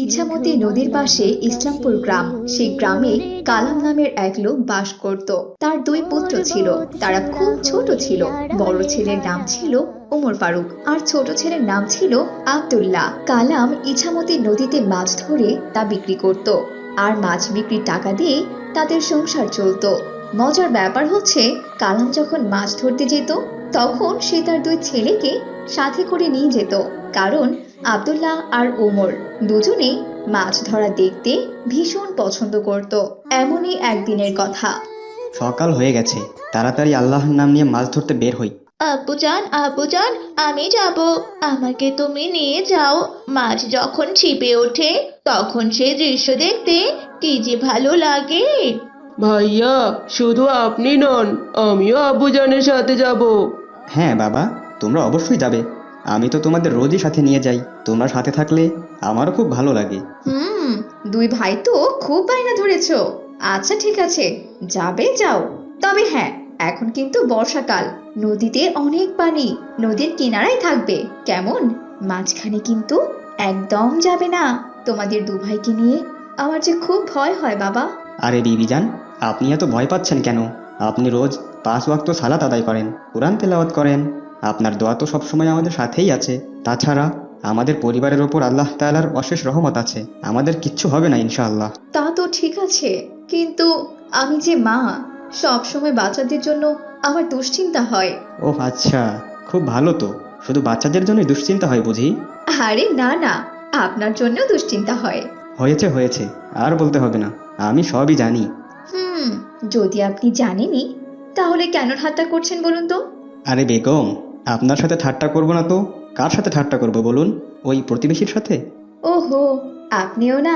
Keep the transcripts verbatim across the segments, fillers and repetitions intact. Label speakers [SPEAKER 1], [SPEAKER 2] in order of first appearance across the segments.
[SPEAKER 1] ইছামতি নদীর পাশে ইসলামপুর গ্রাম। সেই গ্রামে কালাম নামের এক লোক বাস করত। তার দুই পুত্র ছিল। তারা খুব ছোট ছিল। বড় ছেলের নাম ছিল ওমর ফারুক আর ছোট ছেলের নাম ছিল আব্দুল্লাহ। কালাম ইছামতি নদীতে মাছ ধরে তা বিক্রি করত, আর মাছ বিক্রির টাকা দিয়ে তাদের সংসার চলতো। মজার ব্যাপার হচ্ছে, কালাম যখন মাছ ধরতে যেত তখন সে তার দুই ছেলেকে সাথে করে নিয়ে যেত, কারণ আব্দুল্লাহ আর ওমর দুজনে মাছ ধরা দেখতে ভীষণ পছন্দ করত। এমনই একদিনের কথা।
[SPEAKER 2] সকাল হয়ে গেছে, তাড়াতাড়ি আল্লাহর নাম নিয়ে মাছ ধরতে বের হই।
[SPEAKER 3] আব্বুজান আব্বুজান আমি যাব, আমাকে তুমি নিয়ে যাও। মাছ যখন ছিপে ওঠে তখন সেই দৃশ্য দেখতে কি যে ভালো লাগে।
[SPEAKER 4] ভাইয়া, শুধু আপনি নন, আমিও আব্বুজানের সাথে যাব।
[SPEAKER 2] হ্যাঁ বাবা, তোমরা অবশ্যই যাবে। আমি তো তোমাদের রোজই সাথে নিয়ে যাই। তোমরা সাথে থাকলে আমারও খুব ভালো লাগে।
[SPEAKER 1] হুম, দুই ভাই তো খুব বায়না ধরেছো। আচ্ছা ঠিক আছে, যাবে যাও। তবে হ্যাঁ, এখন কিন্তু বর্ষাকাল, নদীতে অনেক পানি। নদীর কিনারায় থাকবে, কেমন? মাঝখানে কিন্তু একদম যাবে না। তোমাদের দু ভাইকে নিয়ে আমার যে খুব ভয় হয় বাবা।
[SPEAKER 2] আরে বিবিজান, আপনি এত ভয় পাচ্ছেন কেন? আপনি রোজ পাঁচ ওয়াক্ত সালাত আদায় করেন, কুরআন তেলাওয়াত করেন। আপনার দোয়া তো সবসময় আমাদের সাথেই আছে। তাছাড়া আমাদের পরিবারের ওপর আল্লাহ তাআলার অশেষ রহমত আছে। আমাদের কিচ্ছু হবে না ইনশাআল্লাহ।
[SPEAKER 1] তা তো ঠিক আছে, কিন্তু আমি যে মা, সব সময় বাচ্চাদের জন্য আমার দুশ্চিন্তা হয়।
[SPEAKER 2] ও আচ্ছা, খুব ভালো তো। শুধু বাচ্চাদের জন্যই দুশ্চিন্তা হয় বুঝি?
[SPEAKER 1] আরে না না, আপনার জন্য দুশ্চিন্তা হয়।
[SPEAKER 2] হয়েছে হয়েছে, আর বলতে হবে না, আমি সবই জানি।
[SPEAKER 1] হুম, যদি আপনি জানেনই তাহলে কেন ঠাট্টা করছেন বলুন তো?
[SPEAKER 2] আরে বেগম, আপনার সাথে ঠাট্টা করব না তো কার সাথে ঠাট্টা করব বলুন? ওই প্রতিবেশীর সাথে।
[SPEAKER 1] ওহো, আপনিও না।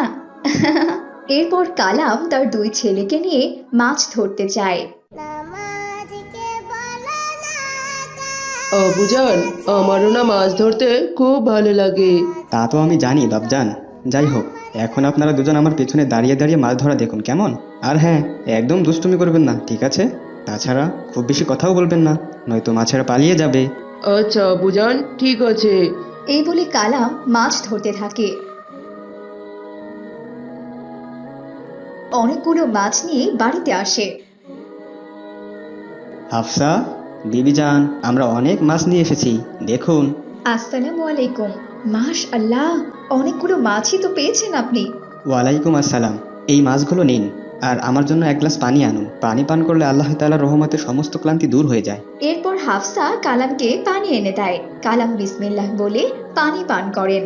[SPEAKER 1] এরপর কালাম তার দুই ছেলেকে নিয়ে মাছ ধরতে চায়।
[SPEAKER 4] আব্বুজান, আমারও না মাছ ধরতে খুব ভালো লাগে।
[SPEAKER 2] তা তো আমি জানি বাপজান। যাই হোক, এখন আপনারা দুজন আমার পেছনে দাঁড়িয়ে দাঁড়িয়ে মাছ ধরা দেখুন, কেমন? আর হ্যাঁ, একদম দুষ্টুমি করবেন না, ঠিক আছে? তাছাড়া খুব বেশি কথাও বলবেন না, নয়তো মাছেরা পালিয়ে যাবে।
[SPEAKER 4] আচ্ছা আব্বুজান, ঠিক আছে।
[SPEAKER 1] এই বলে কালাম মাছ ধরতে থাকে। অনেকগুলো মাছ নিয়ে বাড়িতে আসে।
[SPEAKER 2] হাফসা, বিবিজান, আমরা অনেক মাছ নিয়ে এসেছি, দেখুন।
[SPEAKER 1] আসসালামু আলাইকুম। মাশআল্লাহ, অনেকগুলো মাছই তো পেয়েছেন আপনি।
[SPEAKER 2] ওয়ালাইকুম আসসালাম। এই মাছগুলো নিন, আর আমার জন্য এক গ্লাস পানি আনুন। পানি পান করলে আল্লাহ তাআলার রহমতে সমস্ত ক্লান্তি দূর হয়ে যায়।
[SPEAKER 1] এরপর হাফসা কালামকে পানি এনে দেয়। কালাম বিসমিল্লাহ বলে পানি পান করেন।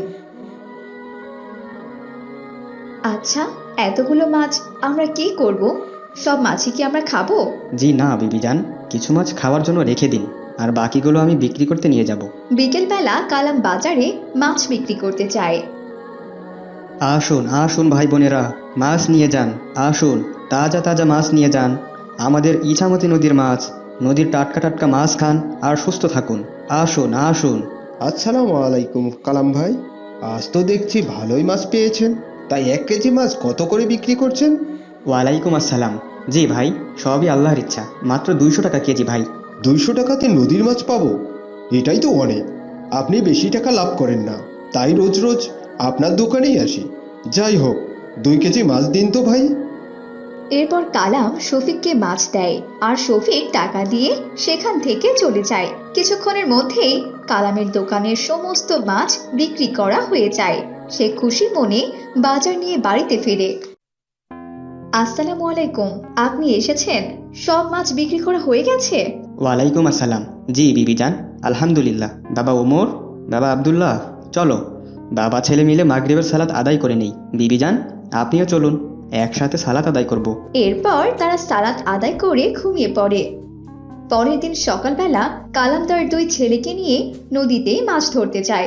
[SPEAKER 1] আচ্ছা, এতগুলো মাছ আমরা কি করব? সব মাছই কি আমরা খাবো?
[SPEAKER 2] জি না বিবিজান, কিছু মাছ খাওয়ার জন্য রেখে দিন, আর বাকিগুলো আমি বিক্রি করতে নিয়ে যাব।
[SPEAKER 1] বিকেলবেলা কালাম বাজারে মাছ বিক্রি করতে চায়।
[SPEAKER 2] আসুন আসুন ভাই বোনেরা, মাছ নিয়ে যান। আসুন, তাজা তাজা মাছ নিয়ে যান। আমাদের ইছামতি নদীর মাছ। নদীর টাটকা টাটকা মাছ খান আর সুস্থ থাকুন। আসুন আসুন।
[SPEAKER 5] আসসালামু আলাইকুম কালাম ভাই, আজ তো দেখছি ভালোই মাছ পেয়েছেন। তাই এক কেজি মাছ কত করে বিক্রি করছেন?
[SPEAKER 2] ওয়ালাইকুম আসসালাম। জি ভাই, সবই আল্লাহর ইচ্ছা। মাত্র দুইশো টাকা কেজি ভাই।
[SPEAKER 5] দুইশো টাকাতে নদীর মাছ পাবো? এটাই তো অনেক। আপনি বেশি টাকা লাভ করেন না, তাই রোজ রোজ আপনার দোকানেই আসি। যাই হোক, দুই কেজি মাছ দিন তো ভাই।
[SPEAKER 1] এরপর কালাম শফিককে মাছ দেয়, আর শফিক টাকা দিয়ে সেখান থেকে চলে যায়। কিছুক্ষণের মধ্যেই কালামের দোকানের সমস্ত মাছ বিক্রি করা হয়ে যায়। সে খুশি মনে বাজার নিয়ে বাড়িতে ফেরে। আসসালামু আলাইকুম, আপনি এসেছেন? সব মাছ বিক্রি করা হয়ে গেছে?
[SPEAKER 2] ওয়ালাইকুম আসসালাম। জি বিবিজান, আলহামদুলিল্লাহ। বাবা ওমর, বাবা আব্দুল্লাহ, চলো বাবা ছেলে মিলে মাগরিবের সালাত আদায় করে নেই। বিবিজান, আপনিও চলুন, একসাথে সালাত আদায় করব।
[SPEAKER 1] এরপর তারা সালাত আদায় করে ঘুমিয়ে পড়ে। পরের দিন সকালবেলা কালাম তার দুই ছেলেকে নিয়ে নদীতে মাছ ধরতে যায়।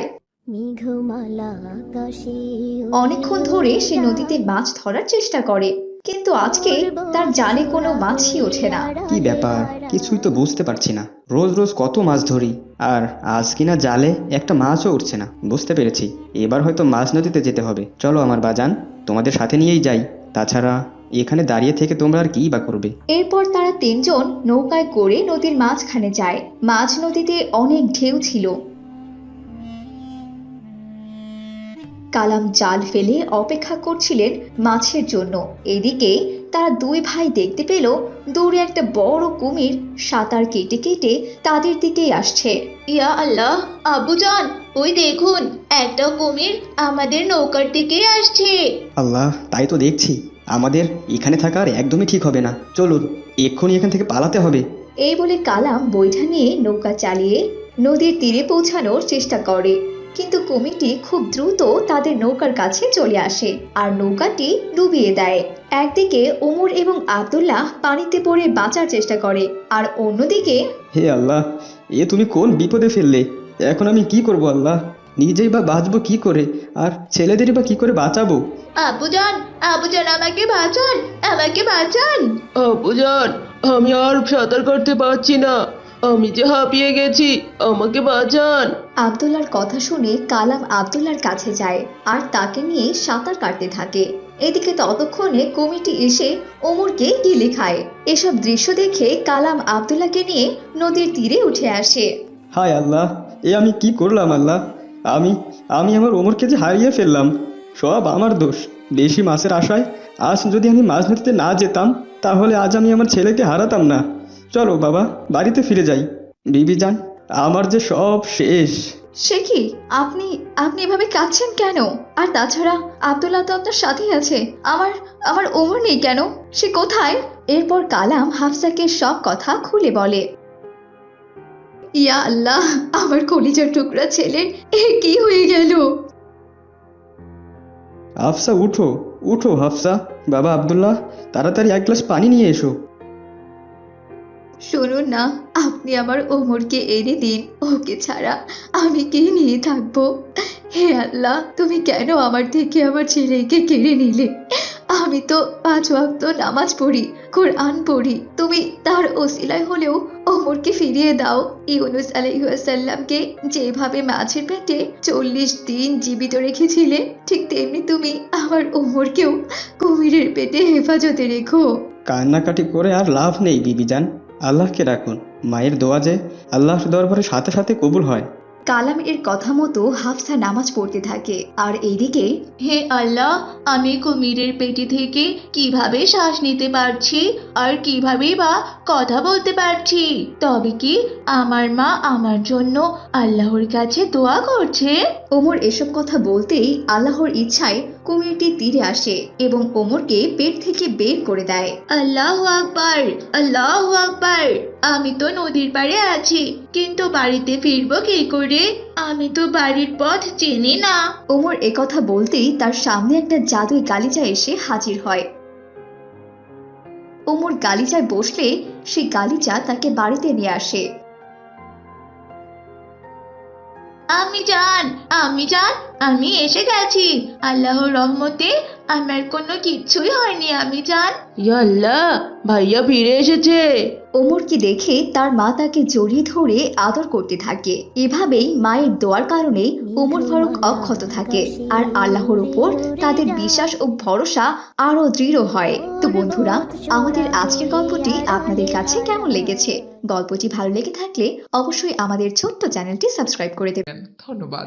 [SPEAKER 1] অনেকক্ষণ ধরে সে নদীতে মাছ ধরার চেষ্টা করে, কিন্তু আজকে তার জালে কোনো মাছই ওঠে না।
[SPEAKER 2] কি ব্যাপার, কিছুই তো বুঝতে পারছি না। রোজ রোজ কত মাছ ধরি, আর আজ কিনা জালে একটা মাছও উঠছে না। বুঝতে পেরেছি, এবার হয়তো মাছ নদীতে যেতে হবে। চলো আমার বাজান, তোমাদের সাথে নিয়েই যাই। তাছাড়া এখানে দাঁড়িয়ে থেকে তোমরা আর কিই বা করবে?
[SPEAKER 1] এরপর তারা তিনজন নৌকায় করে নদীর মাঝখানে যায়। মাঝ নদীতে অনেক ঢেউ ছিল। কালাম জাল ফেলে অপেক্ষা করছিলেন মাছের জন্য। এদিকে তারা দুই ভাই দেখতে পেল দূরে একটা বড় কুমির সাঁতার কেটে কেটে তাদের দিকেই আসছে।
[SPEAKER 3] ইয়া আল্লাহ, আব্বুজান ওই দেখুন, একটা কুমির আমাদের নৌকার দিকেই আসছে।
[SPEAKER 2] আল্লাহ, তাই তো দেখছি। আমাদের এখানে থাকা আর একদমই ঠিক হবে না। চলুন, এক্ষুনি এখান থেকে পালাতে হবে।
[SPEAKER 1] এই বলে কালাম বৈঠা নিয়ে নৌকা চালিয়ে নদীর তীরে পৌঁছানোর চেষ্টা করে, কিন্তু কুমিরটি খুব দ্রুত তাদের নৌকার কাছে চলে আসে আর নৌকাটি ডুবিয়ে দেয়। একদিকে ওমর এবং আব্দুল্লাহ পানিতে পড়ে বাঁচার চেষ্টা করে, আর অন্যদিকে
[SPEAKER 2] হে আল্লাহ, এ তুমি কোন বিপদে ফেললে? এখন আমি কি করব আল্লাহ? নিজেই বা বাঁচবো কি করে, আর ছেলেদেরই বা কি করে বাঁচাবো?
[SPEAKER 3] আব্বুজান, আব্বুজান আমাকে বাঁচান, আমাকে বাঁচান।
[SPEAKER 4] আব্বুজান, আমি আর সাঁতার কাটতে পারছি না, আমি যে হাঁপিয়ে গেছি, আমাকে বাঁচান।
[SPEAKER 1] আব্দুল্লাহর কথা শুনে কালাম আব্দুল্লাহর কাছে যায় আর তাকে নিয়ে সাঁতার কাটতে থাকে। এদিকে ততক্ষণে কুমিরটি এসে ওমরকে গিলে খায়। এসব দৃশ্য দেখে কালাম আব্দুল্লাহকে নিয়ে নদীর তীরে উঠে আসে।
[SPEAKER 2] হায় আল্লাহ, এ আমি কি করলাম আল্লাহ? আমি আমি আমার ওমরকে যে হারিয়ে ফেললাম। সব আমার দোষ। বেশি মাছের আশায় আজ যদি আমি মাছ ধরতে না যেতাম, তাহলে আজ আমি আমার ছেলেকে হারাতাম না। চলো বাবা, বাড়িতে ফিরে যাই। বিবি যান, আমার যে সব শেষ।
[SPEAKER 1] সে কি, আপনি আপনি এভাবে কাঁদছেন কেন? আর তাছাড়া আব্দুল্লাহ তো আপনার সাথেই আছে। আমার আমার ওমর নেই কেন? সে কোথায়? এরপর কালাম হাফসাকে সব কথা খুলে বলে। ইয়া আল্লাহ, আমার কলিজার টুকরা ছেলের এ কি হয়ে গেল?
[SPEAKER 2] হাফসা উঠো, উঠো হাফসা। বাবা আব্দুল্লাহ, তাড়াতাড়ি এক গ্লাস পানি নিয়ে এসো।
[SPEAKER 1] শুনুন না, আপনি আমার ওমরকে এনে দিন। ওকে ছাড়া আমি কে নিয়ে থাকবো? হে আল্লাহ, তুমি কেন আমার থেকে আমার ছেলেকে কেড়ে নিলে? আমি তো পাঁচ ওয়াক্ত নামাজ পড়ি, কোরআন পড়ি। তুমি তার ওসিলায় হলেও ওমরকে ফিরিয়ে দাও। ইউনুস আলাইহিসসালামকে যেভাবে মাছের পেটে চল্লিশ দিন জীবিত রেখেছিলে, ঠিক তেমনি তুমি আমার ওমরকেও কুমিরের পেটে হেফাজতে রেখো।
[SPEAKER 2] কান্নাকাটি করে আর লাভ নেই বিবি যান। আল্লাহকে রাখুন। মায়ের দোয়া যে আল্লাহর দরবারে সাথে সাথে কবুল হয়।
[SPEAKER 1] কালাম এর কথা মতো হাফসা নামাজ পড়তে থাকে, আর এইদিকে
[SPEAKER 3] হে আল্লাহ, আমি কুমিরের পেটি থেকে কিভাবে শ্বাস নিতে পারছি আর কিভাবে বা কথা বলতে পারছি? তবে কি আমার মা আমার জন্য আল্লাহর কাছে দোয়া করছে?
[SPEAKER 1] ওমর এসব কথা বলতেই আল্লাহর ইচ্ছায় কুমিরটি তীরে আসে এবং ওমরকে পেট থেকে বের করে দেয়।
[SPEAKER 3] আল্লাহু আকবার, আল্লাহু আকবার। আমি তো নদীর পাড়ে আছি, কিন্তু বাড়িতে ফিরবো কি করে? আমি তো বাড়ির পথ চিনি না।
[SPEAKER 1] ওমর একথা বলতেই তার সামনে একটা জাদুই গালিচা এসে হাজির হয়। ওমর গালিচায় বসলে সেই গালিচা তাকে বাড়িতে নিয়ে আসে।
[SPEAKER 3] আমি জান, আমি জান, আমি এসে গেছি। আল্লাহর রহমতে আমার কোনো কিচ্ছুই হয়নি। আমি জান।
[SPEAKER 4] ইয়া আল্লাহ, ভাইয়া ফিরে এসেছে।
[SPEAKER 1] ওমরকে দেখে তার মা তাকে জড়িয়ে ধরে আদর করতে থাকে। এভাবেই মায়ের দোয়ার কারণে ওমর ফারুক অক্ষত থাকে, আর আল্লাহর উপর তাদের বিশ্বাস ও ভরসা আরো দৃঢ় হয়। তো বন্ধুরা, আমাদের আজকের গল্পটি আপনাদের কাছে কেমন লেগেছে? গল্পটি ভালো লেগে থাকলে অবশ্যই আমাদের ছোট্ট চ্যানেলটি সাবস্ক্রাইব করে দেবেন।
[SPEAKER 6] ধন্যবাদ।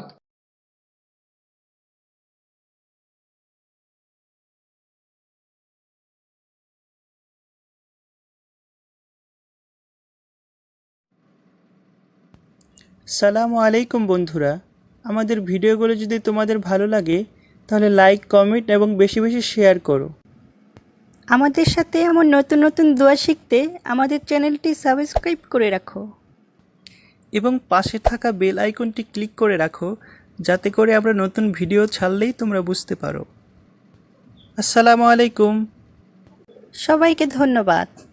[SPEAKER 7] সালামু আলাইকুম বন্ধুরা, আমাদের ভিডিওগুলো যদি তোমাদের ভালো লাগে তাহলে লাইক, কমেন্ট এবং বেশি বেশি শেয়ার করো। আমাদের সাথে এমন নতুন নতুন দোয়া শিখতে আমাদের চ্যানেলটি সাবস্ক্রাইব করে রাখো এবং পাশে থাকা বেল আইকনটি ক্লিক করে রাখো, যাতে করে আমরা নতুন ভিডিও ছাড়লেই তোমরা বুঝতে পারো। আসসালামু আলাইকুম, সবাইকে ধন্যবাদ।